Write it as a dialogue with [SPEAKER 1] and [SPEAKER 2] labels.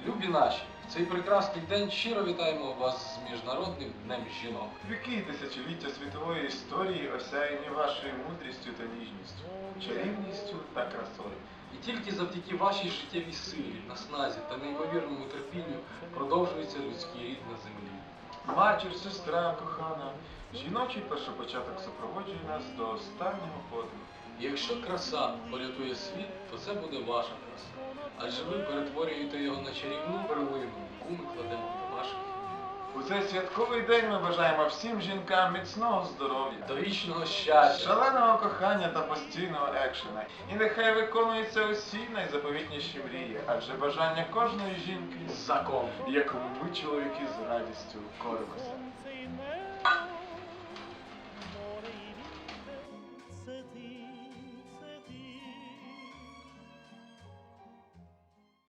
[SPEAKER 1] Любі наші, в цей прекрасний день щиро вітаємо вас з Міжнародним днем жінок.
[SPEAKER 2] Віки тисячоліття світової історії осяяні вашою мудрістю та ніжністю, чарівністю та красою.
[SPEAKER 1] І тільки завдяки вашій життєвій силі, насназі та неймовірному терпінню продовжується людський рід на землі.
[SPEAKER 2] Матір, сестра, кохана, жіночий першопочаток супроводжує нас до останнього подиху.
[SPEAKER 1] І якщо краса порятує світ, то це буде ваша краса. Адже ви перетворюєте його на чарівну перлину, яку ми кладемо до ваших.
[SPEAKER 2] У цей святковий день ми бажаємо всім жінкам міцного здоров'я,
[SPEAKER 1] До вічного щастя,
[SPEAKER 2] шаленого кохання та постійного екшена. І нехай виконуються усі найзаповітніші мрії, адже бажання кожної жінки
[SPEAKER 1] закон.
[SPEAKER 2] якому ми, чоловіки, з радістю коримося.